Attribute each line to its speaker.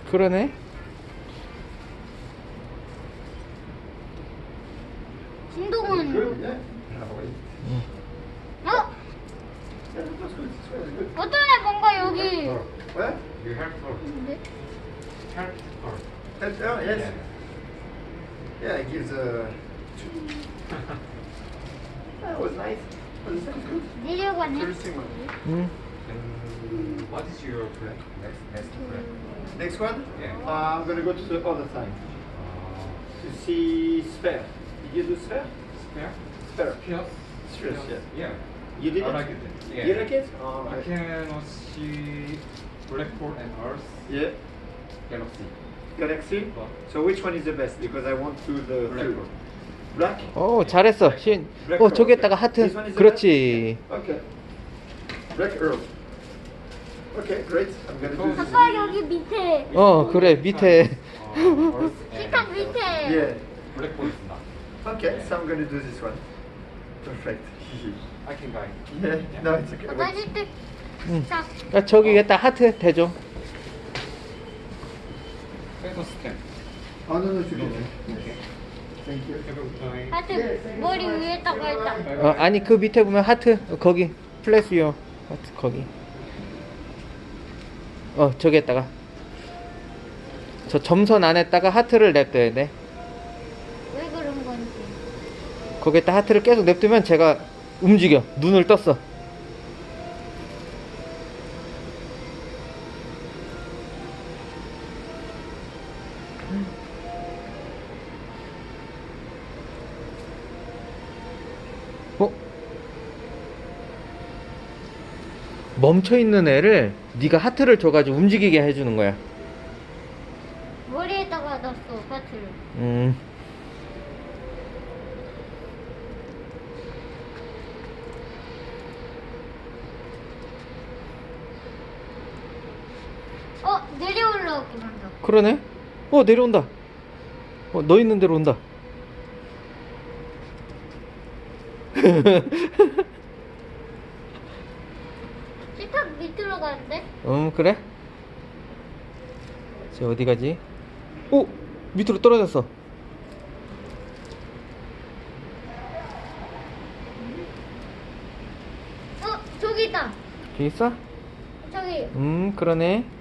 Speaker 1: 그러네.
Speaker 2: 진동은
Speaker 3: Good, yeah.
Speaker 2: 어?
Speaker 3: Yeah, that's good. This one is good.
Speaker 2: 어떤 애 뭔가 여기
Speaker 3: What?
Speaker 4: You have for
Speaker 2: 근데?
Speaker 4: help for
Speaker 3: That, oh, yes. Yeah, it gives a. That was nice. Was that good?
Speaker 2: 내려가네.
Speaker 3: Interesting one.
Speaker 1: 음.
Speaker 4: And what is your plan? Next plan?
Speaker 3: Next one?
Speaker 4: Yeah.
Speaker 3: I'm gonna go to the other side to see sphere. Did you do sphere?
Speaker 4: Spare?
Speaker 3: Sphere.
Speaker 4: Yes.
Speaker 3: Spheres, yeah.
Speaker 4: Yeah.
Speaker 3: You did
Speaker 4: I
Speaker 3: it?
Speaker 4: like it. Yeah.
Speaker 3: You like it? Oh,
Speaker 4: I can see black hole and Earth,
Speaker 3: Yeah.
Speaker 4: galaxy.
Speaker 3: Galaxy?
Speaker 4: What?
Speaker 3: So which one is the best? Because I want to the
Speaker 4: Black
Speaker 3: field.
Speaker 4: hole.
Speaker 3: Black?
Speaker 1: 오, 잘했어. 신.
Speaker 3: Black
Speaker 1: 어,
Speaker 3: hole,
Speaker 1: 저기에다가
Speaker 3: okay.
Speaker 1: 하트.
Speaker 3: This one is the
Speaker 1: 그렇지.
Speaker 3: best? Okay. Black Earth. Okay, great. I'm gonna do this.
Speaker 2: 아까 여기 밑에
Speaker 1: 어, 그래. 밑에.
Speaker 4: Earth
Speaker 2: 식탁 밑에
Speaker 3: Yeah.
Speaker 4: black hole is not.
Speaker 3: Okay, so I'm gonna do this one. Perfect.
Speaker 4: I can guide.
Speaker 3: Yeah. No, it's okay. Wait.
Speaker 2: 맞을 때
Speaker 1: 응.
Speaker 2: 자,
Speaker 1: 아, 저기에다 하트 대줘.
Speaker 4: Let us stand.
Speaker 3: Oh no, no, it's okay. Thank you.
Speaker 4: Have a good time.
Speaker 2: 하여튼 머리 위에다가 했다.
Speaker 1: 어, 아니 그 밑에 보면 하트. 거기. 플래스요. 하트 거기. 저기에다가. 저 점선 안에다가 하트를 냅둬야 돼.
Speaker 2: 왜 그런 건지.
Speaker 1: 거기에다 하트를 계속 냅두면 제가 움직여. 눈을 떴어. 어? 멈춰 있는 애를 네가 하트를 줘가지고 움직이게 해주는 거야.
Speaker 2: 머리에다가 놨어 하트를. 내려 올라오게 만다.
Speaker 1: 그러네. 내려온다. 너 있는 대로 온다.
Speaker 2: 식탁 밑으로 가는데?
Speaker 1: 그래? 저 어디 가지? 오! 밑으로 떨어졌어.
Speaker 2: 저기 있다.
Speaker 1: 저기 있어?
Speaker 2: 저기.
Speaker 1: 그러네.